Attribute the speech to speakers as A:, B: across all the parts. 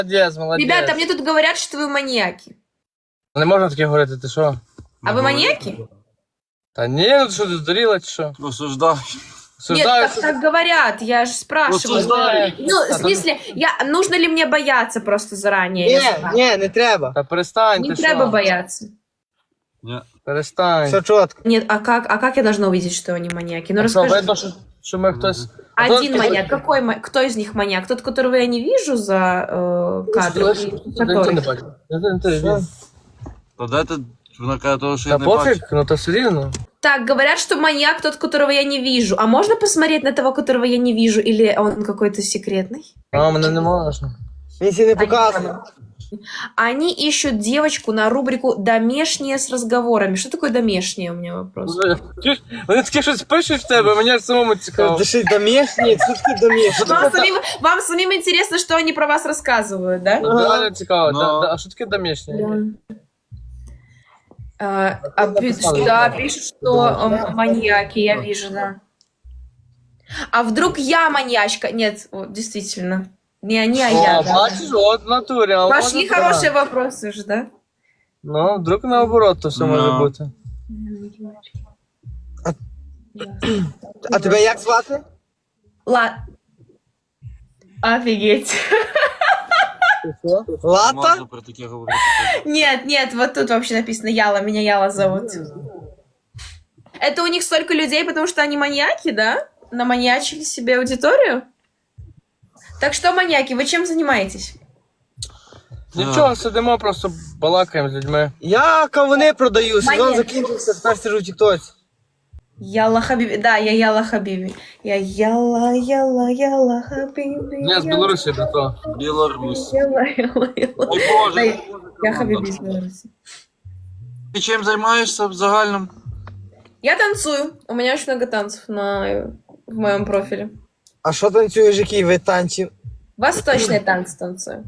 A: Молодець, молодець.
B: Ребята, мне тут говорят, что вы маньяки.
A: Не можна таке говорити, ти що?
B: А вы маньяки?
A: Та ні, ну ти що, ти здуріла чи що?
C: Осуждаю.
B: Нет, так говорят, я же спрашиваю.
C: Осуждаю.
B: Ну, в смысле, нужно ли мне бояться просто заранее?
D: Ні, не треба.
A: Та перестань,
B: Не
A: ти
B: треба
A: що?
B: бояться.
C: Ні.
A: Перестань.
D: Все чітко.
B: Нет, а как я должна увидеть, что они маньяки? Ну,
A: А що,
B: расскажи.
A: видно, що ми хтось...
B: Один маньяк. Кто из них маньяк? Тот, которого я не вижу за кадром? Или который?
A: не бачу. Та
C: Та дайте, вона каже того, що я не
A: пофіг,
C: бачу.
A: ну то все рівно.
B: Так, говорят, что маньяк тот, которого я не вижу. А можно посмотреть на того, которого я не вижу? Или он какой-то секретный?
A: А, мене не можна.
D: Він сі не показує.
B: Они ищут девочку на рубрику «Домешние с разговорами». Что такое «домешние» у меня вопрос?
A: Чуєш? Вони таке щось пишуть в тебе, мені аж самому цікаво.
D: Дишить домішні, це таке домішні.
B: Вам самим интересно, что они про вас рассказывают, да?
A: Реально цікаво.
C: Ну.
A: А що таке домішнє?
B: Да, пишут, что маньяки, я вижу, да. А вдруг я маньячка? Нет, вот, действительно. Не они, а я.
A: О,
B: Да.
A: бачиш, от в натурі. а
B: Пошли
A: от
B: хорошие вопросы же, да?
A: Ну, вдруг наоборот то все може
C: Ну.
A: бути.
D: А тебе як звати?
B: Офигеть.
D: Лата?
C: Можна про таке говорити.
B: Нет, вот тут вообще написано Яла, меня Яла зовут. Это у них столько людей, потому что они маньяки, да? Наманьячили себе аудиторию? Так что, маньяки, вы чем занимаетесь?
A: Нічого, сидимо, просто балакаємо з людьми.
D: Я кавуни продаю, сезон
B: Монет.
D: закінчився, тепер сиджу в тіктоці.
B: Яла Хабиби. Да, я Яла Хабиби. Я Яла Хабиби.
A: Ні, з Білорусі, брато.
C: Білорусь.
B: Яла.
C: Ой,
B: Да,
C: Боже.
B: я Хабиби из Беларуси.
C: Ти чим займаєшся в загальному?
B: Я танцую. У меня очень много танцев в моем профиле.
D: А що танцюєш, який вид танців?
B: Восточные танцы танцую.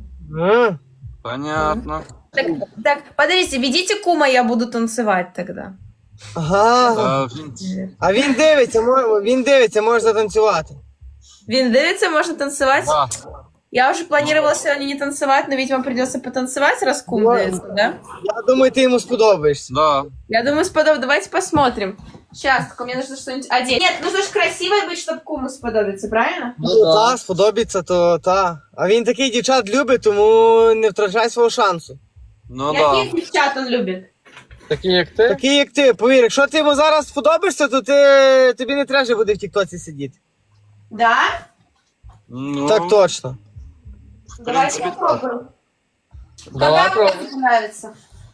C: Понятно.
B: Так, подождите, ведите кума, я буду танцевать тогда.
D: Ага. А він дивиться, може затанцювати.
B: Вин дивится, можно танцевать?
C: Да.
B: Я уже планировала сегодня не танцевать, но ведь вам придется потанцевать, раз кум
D: Да.
B: дивится, да?
D: Я думаю, ти йому сподобаєшся.
C: Да.
B: Я думаю, давайте посмотрим. Сейчас, только мне нужно что-нибудь одеть. Нет, нужно же красивой быть, чтобы куму сподобиться, правильно?
A: Ну,
D: Та, сподобається, то та. А він такий дівчат любить, тому не втрачай свого шансу.
C: Ну да.
B: Каких девчат он любит?
A: Такі як ти?
D: Такий як ти, повір, якщо ти йому зараз сподобаєшся, то тобі не треба вже буде в тіктоці сидіти.
B: Да?
C: Ну,
D: Так точно.
B: Давайте
C: принципе,
B: попробуем.
A: Давай,
B: Какая вам музыка нравится?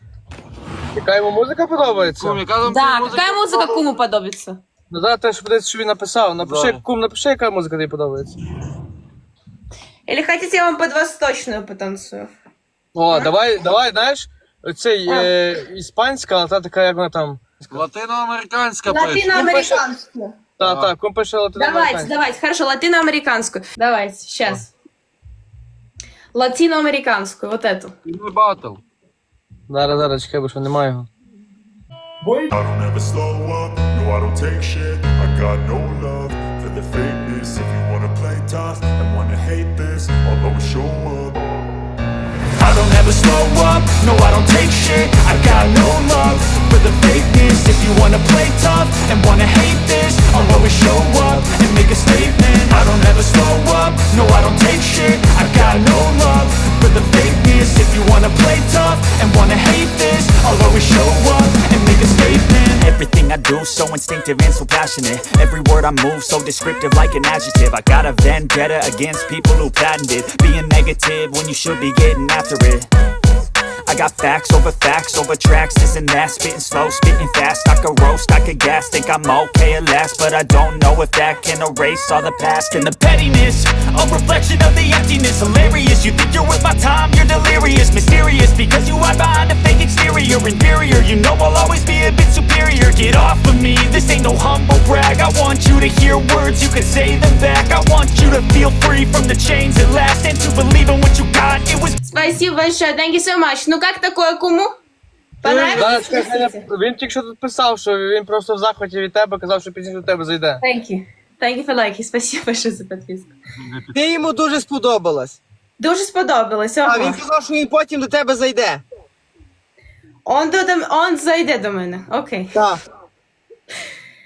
A: Яка йому музика подобається?
C: Кум, яка там
B: Да,
C: музика?
B: какая музыка куму подобится?
A: Ну зараз теж подивитися, що він написав. Напиши,
C: Да.
A: кум, напиши, яка музика тобі подобається.
B: Или хотите, я вам под восточную потанцую?
A: О, давай, знаєш, оцей іспанська, але та така, як вона там.
C: Латиноамериканська пише.
B: Латиноамериканскую.
A: Так, кум пише латиноамериканська.
B: Давайте, хорошо, латиноамериканскую. Давайте, сейчас. Латиноамериканскую, вот эту.
C: Не батл.
A: Зараз, чекай, бо що немає його.
E: I don't ever slow up, no I don't take shit. I got no love for the fakeness. If you wanna play tough and wanna hate this, I'll always show up. I don't ever slow up, no I don't take shit. I got no love for the fakeness. If you wanna play tough and wanna hate this, I'll always show up and make a statement. I don't ever slow up, no I don't take shit. I got no love for the fakeness. If you wanna play tough and wanna hate this, I'll always show up and make a statement.
F: Everything I do so instinctive and so passionate. Every word I move so descriptive like an adjective. I got a vendetta against people who patented being negative when you should be getting after it. I got facts over tracks, isn't that? Spitting slow, spitting fast, I could roast, I could gas. Think I'm okay at last, but I don't know if that can erase all the past. And the pettiness, a reflection of the emptiness. Hilarious, you think you're worth my time, you're delirious. Mysterious, because you hide behind a fake exterior. Inferior, you know I'll always be a bit superior. Get off of me, this ain't no humble brag. I want you to hear words, you can say them back. I want you to feel free from the chains at last, and to believe in what you got. It was
B: Спасибо большое, thank you so much. Ну как такое куму?
A: Зараз,
B: Понравилось?
A: чекай, він тільки що тут писав, що він просто в захваті від тебе, казав, що пізніше до тебе зайде.
B: Thank you. Thank you for liking. Спасибо большое за подписку.
D: Ти йому дуже сподобалась.
B: Дуже сподобалось.
D: А він
B: Ого.
D: казав, що він потім до тебе зайде.
B: Он зайде до мене. Окей.
D: Так.